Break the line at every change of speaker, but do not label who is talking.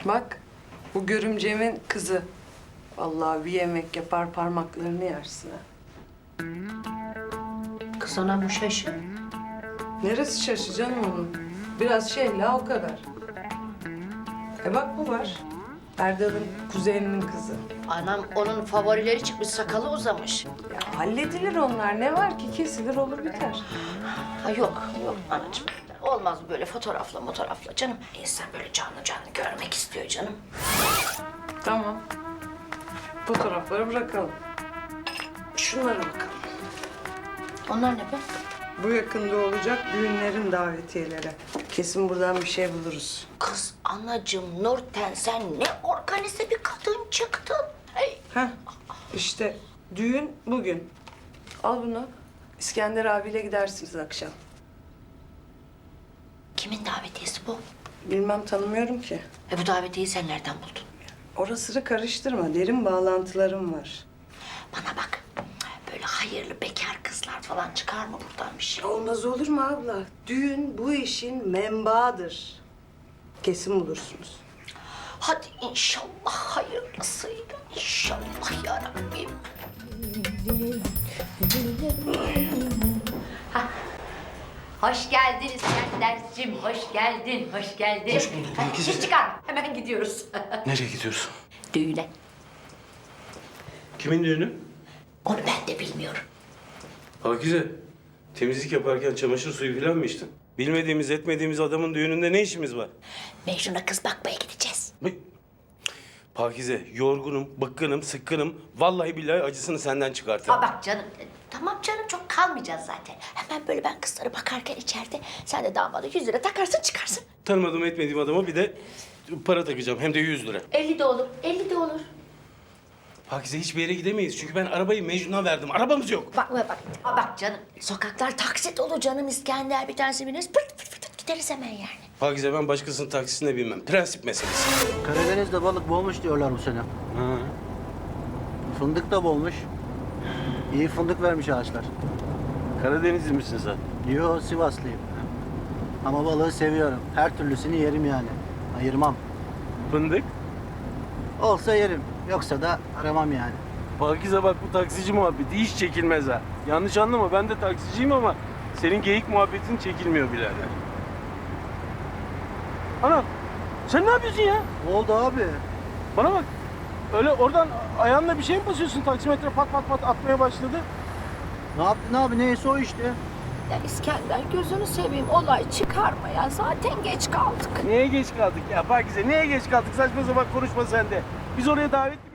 Bak, bu görümcemin kızı. Vallahi bir yemek yapar parmaklarını yersin ha.
Kız ana bu şaşı.
Neresi şaşacaksın onun? Biraz la o kadar. Bak bu var. Erdal'ın kuzeninin kızı.
Anam onun favorileri çıkmış, sakalı uzamış.
Ya halledilir onlar. Ne var ki? Kesilir olur biter.
Ha yok anacığım. Olmaz böyle fotoğrafla canım. İnsan böyle canlı canlı görmek istiyor canım.
Tamam. Fotoğrafları bırakalım. Şunlara bakalım.
Onlar ne be?
Bu yakında olacak düğünlerin davetiyeleri. Kesin buradan bir şey buluruz.
Kız anacığım Nurten sen ne organize bir kadın çıktın. Hey.
Heh, işte düğün bugün. Al bunu. İskender abiyle gidersiniz akşam.
Kimin davetiyesi bu?
Bilmem, tanımıyorum ki.
Bu davetiyeyi sen nereden buldun?
Orasını karıştırma. Derin bağlantılarım var.
Bana bak. Böyle hayırlı bekar kızlar falan çıkar mı buradan bir şey?
Olmaz olur mu abla? Düğün bu işin menbaıdır. Kesin bulursunuz.
Hadi inşallah hayırlısıyla. İnşallah yarabbim. Hoş geldin İskenderciğim, hoş geldin, hoş geldin.
Hoş bulduk Pakize.
Hiç çıkarma, hemen gidiyoruz.
Nereye gidiyorsun?
Düğüne.
Kimin düğünü?
Onu ben de bilmiyorum.
Pakize, temizlik yaparken çamaşır suyu falan mı içtin? Bilmediğimiz, etmediğimiz adamın düğününde ne işimiz var?
Mecnun'a kız bakmaya gideceğiz.
Pakize, yorgunum, bıkkınım, sıkkınım. Vallahi billahi acısını senden çıkartırım.
Bak canım, tamam canım çok kalmayacağız zaten. Hemen böyle ben kızlara bakarken içeride sen de damada 100 lira takarsın çıkarsın.
Tanımadığım etmediğim adama bir de para takacağım. Hem de 100 lira.
50 de olur, 50 de olur.
Pakize hiçbir yere gidemeyiz. Çünkü ben arabayı Mecnun'a verdim. Arabamız yok.
Bak canım. Sokaklar taksit olur canım İskender bir tanesi biniriz. Pırt pırt pırt gideriz hemen yani.
Pakize ben başkasının taksisine binmem. Prensip meselesi.
Karadeniz'de balık boğmuş diyorlar bu sene.
Ha.
Fındık da boğmuş. İyi fındık vermiş ağaçlar.
Karadenizli misin sen?
Yo, Sivaslıyım. Ama balığı seviyorum. Her türlüsünü yerim yani. Ayırmam.
Fındık?
Olsa yerim. Yoksa da aramam yani.
Pakize bak bu taksici muhabbeti hiç çekilmez ha. Yanlış anlama ben de taksiciyim ama senin geyik muhabbetin çekilmiyor birader. Ana sen ne yapıyorsun ya?
Ne oldu abi?
Bana bak. Öyle oradan ayağınla bir şey mi basıyorsun? Taksimetre pat pat pat atmaya başladı.
Ne yaptın abi? Neyse o işte.
Ya İskender gözünü seveyim olay çıkarma ya. Zaten geç kaldık.
Niye geç kaldık ya Pakize? Niye geç kaldık? Saçma sapan konuşma sen de. Biz oraya davet